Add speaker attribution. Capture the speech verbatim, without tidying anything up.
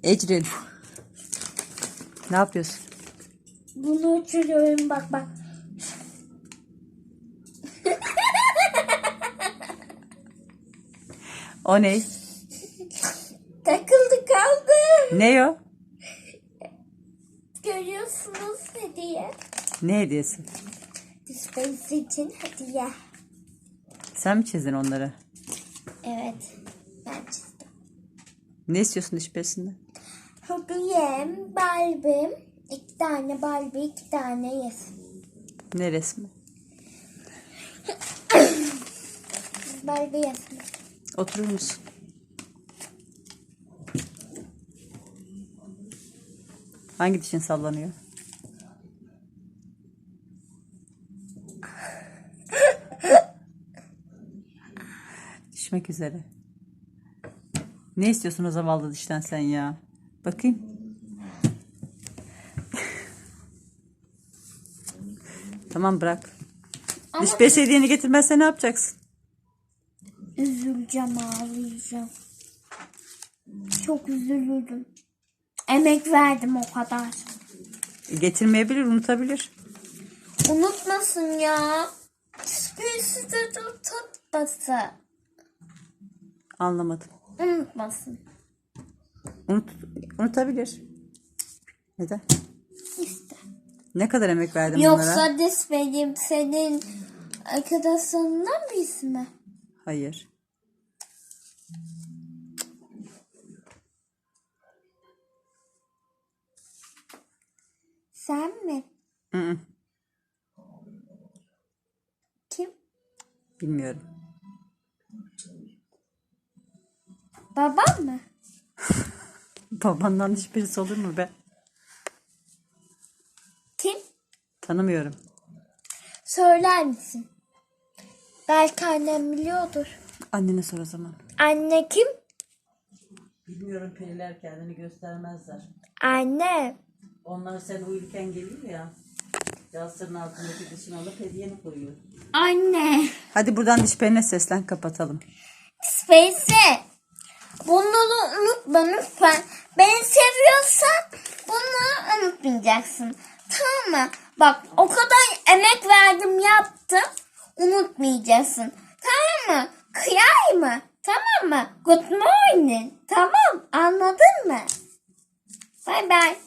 Speaker 1: Ecrin. Ne yapıyorsun?
Speaker 2: Bunu uçuruyorum bak bak.
Speaker 1: O ne?
Speaker 2: Takıldı kaldı.
Speaker 1: Ne o?
Speaker 2: Görüyorsunuz hediye.
Speaker 1: Ne hediyesi?
Speaker 2: Dispense için hediye.
Speaker 1: Sen mi çizdin onları?
Speaker 2: Evet. Ben çizdim.
Speaker 1: Ne istiyorsun diş pesinde?
Speaker 2: Hediyem, Barbie'm. İki tane Barbie, iki tane yes.
Speaker 1: Ne resmi?
Speaker 2: Barbie yes.
Speaker 1: Oturur musun? Hangi dişin sallanıyor? Düşmek üzere. Ne istiyorsun o zavallı dişten sen ya? Bakayım. Tamam bırak.
Speaker 2: Ama
Speaker 1: Diş pes hediyeni getirmezse ne yapacaksın?
Speaker 2: üzüleceğim, ağlayacağım. Çok üzülürüm. Emek verdim o kadar.
Speaker 1: Getirmeyebilir, unutabilir.
Speaker 2: Unutmasın ya. Hiçbirisi de tutmasın.
Speaker 1: Anlamadım.
Speaker 2: Unutmasın.
Speaker 1: Unut, unutabilir. Neden?
Speaker 2: İşte.
Speaker 1: Ne kadar emek verdim bunlara?
Speaker 2: Yoksa dis benim senin arkadaşlarından birisi mi?
Speaker 1: Hayır.
Speaker 2: Sen mi?
Speaker 1: Hı -hı.
Speaker 2: Kim?
Speaker 1: Bilmiyorum.
Speaker 2: Babam mı?
Speaker 1: Babandan hiçbirisi olur mu be?
Speaker 2: Kim?
Speaker 1: Tanımıyorum.
Speaker 2: Söyler misin? Belki annem biliyordur.
Speaker 1: Annene sor o zaman.
Speaker 2: Anne kim?
Speaker 1: Bilmiyorum, periler kendini göstermezler.
Speaker 2: Anne.
Speaker 1: Onlar sen uyurken geliyor ya. Yastığın altındaki dişini alıp hediyeni koyuyor.
Speaker 2: Anne.
Speaker 1: Hadi buradan diş perine seslen, kapatalım.
Speaker 2: Space'e. Bunları unutma lütfen. Beni seviyorsan bunları unutmayacaksın. Tamam mı? Bak o kadar emek verdim yaptım. Unutmayacaksın. Tamam mı? Kıyay mı? Tamam mı? Good morning. Tamam. Anladın mı? Bye bye.